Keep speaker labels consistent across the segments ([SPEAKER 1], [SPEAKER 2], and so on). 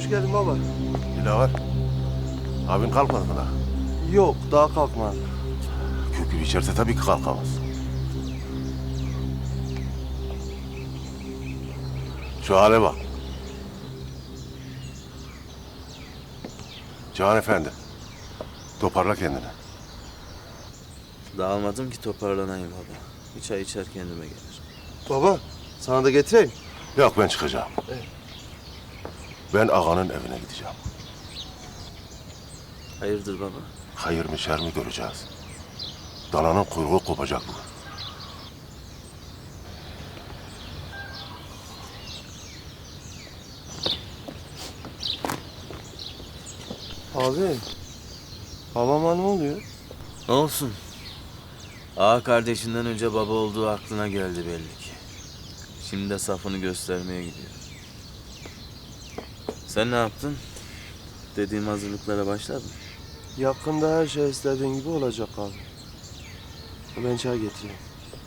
[SPEAKER 1] Hoş geldin baba.
[SPEAKER 2] Dilaver, abin kalkmadı mı daha?
[SPEAKER 1] Yok, daha kalkmadı.
[SPEAKER 2] Kül gibi içerse tabii ki kalkamaz. Şu hale bak. Cihan Efendi, toparla kendini.
[SPEAKER 3] Dağılmadım ki toparlanayım baba. Bir çay içer kendime gelir.
[SPEAKER 1] Baba, sana da getireyim.
[SPEAKER 2] Yok, ben çıkacağım. Ben ağanın evine gideceğim.
[SPEAKER 3] Hayırdır baba?
[SPEAKER 2] Hayır mı şer mi göreceğiz. Dananın kuyruğu kopacak bu.
[SPEAKER 1] Abi, babama ne oluyor?
[SPEAKER 3] Ne olsun? Ağa kardeşinden önce baba olduğu aklına geldi belli ki. Şimdi de safını göstermeye gidiyor. Sen ne yaptın? Dediğim hazırlıklara başladın.
[SPEAKER 1] Yakında her şey istediğin gibi olacak abi. Ben çay getireyim.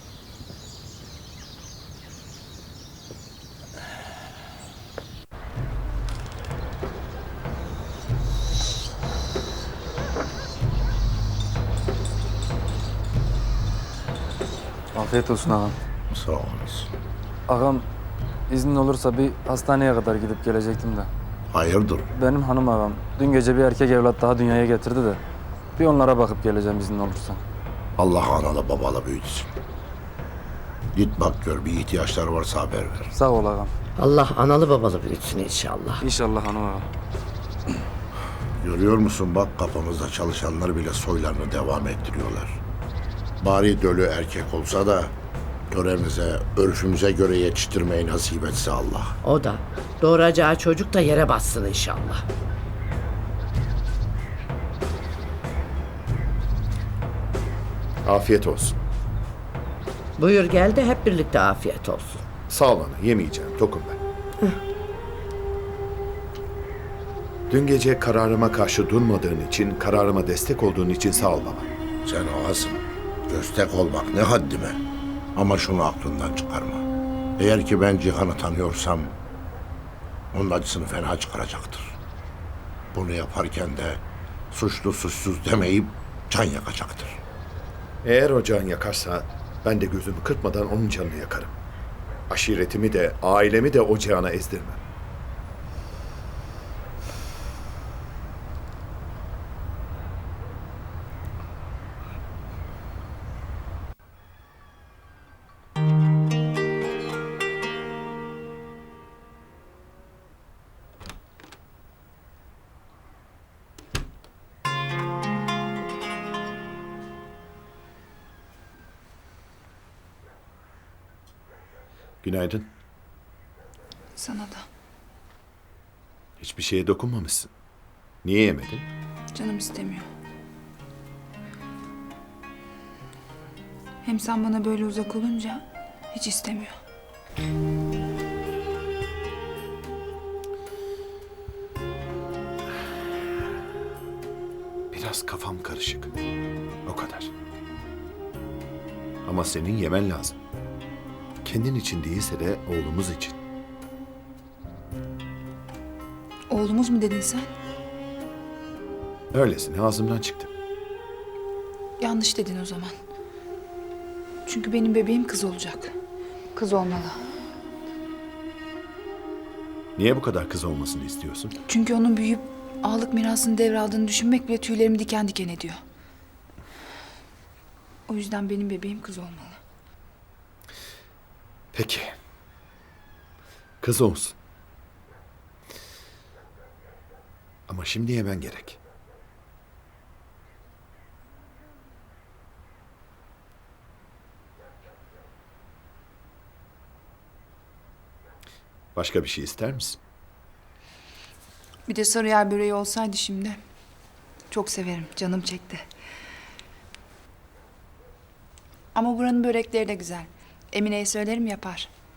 [SPEAKER 4] Afiyet olsun ağam.
[SPEAKER 2] Sağ olasın.
[SPEAKER 4] Ağam iznin olursa bir hastaneye kadar gidip gelecektim de.
[SPEAKER 2] Hayırdır?
[SPEAKER 4] Benim hanım ağam dün gece bir erkek evlat daha dünyaya getirdi de. Bir onlara bakıp geleceğim iznin olursa.
[SPEAKER 5] Allah analı babalı büyütsün. Git bak gör, bir ihtiyaçları varsa haber ver.
[SPEAKER 4] Sağ ol ağam.
[SPEAKER 6] Allah analı babalı büyütsün inşallah.
[SPEAKER 4] İnşallah hanım ağam.
[SPEAKER 5] Görüyor musun bak, kapımızda çalışanlar bile soylarını devam ettiriyorlar. Bari dölü erkek olsa da töremize, örfümüze göre yetiştirmeyi nasip etse Allah.
[SPEAKER 6] O da doğuracağı çocuk da yere bassın inşallah.
[SPEAKER 7] Afiyet olsun.
[SPEAKER 6] Buyur gel de hep birlikte afiyet olsun.
[SPEAKER 7] Sağ ol ana, yemeyeceğim. Tokum ben. Dün gece kararıma karşı durmadığın için, kararıma destek olduğun için sağ ol baba.
[SPEAKER 5] Sen ağasın. Destek olmak ne haddime. Ama şunu aklından çıkarma. Eğer ki ben Cihan'ı tanıyorsam onun acısını fena çıkaracaktır. Bunu yaparken de suçlu suçsuz demeyip can yakacaktır.
[SPEAKER 7] Eğer o can yakarsa ben de gözümü kırpmadan onun canını yakarım. Aşiretimi de, ailemi de o cihana ezdirmem. Günaydın.
[SPEAKER 8] Sana da.
[SPEAKER 7] Hiçbir şeye dokunmamışsın. Niye yemedin?
[SPEAKER 8] Canım istemiyor. Hem sen bana böyle uzak olunca hiç istemiyor.
[SPEAKER 7] Biraz kafam karışık. O kadar. Ama senin yemen lazım. Kendin için değilse de oğlumuz için.
[SPEAKER 8] Oğlumuz mu dedin sen?
[SPEAKER 7] Öylesine ağzımdan çıktı.
[SPEAKER 8] Yanlış dedin o zaman. Çünkü benim bebeğim kız olacak. Kız olmalı.
[SPEAKER 7] Niye bu kadar kız olmasını istiyorsun?
[SPEAKER 8] Çünkü onun büyüyüp ağalık mirasını devraldığını düşünmek bile tüylerimi diken diken ediyor. O yüzden benim bebeğim kız olmalı.
[SPEAKER 7] Peki. Kız olsun. Ama şimdi yemen gerek. Başka bir şey ister misin?
[SPEAKER 8] Bir de sarıyer böreği olsaydı şimdi. Çok severim, canım çekti. Ama buranın börekleri de güzel. Emine'ye söylerim yapar.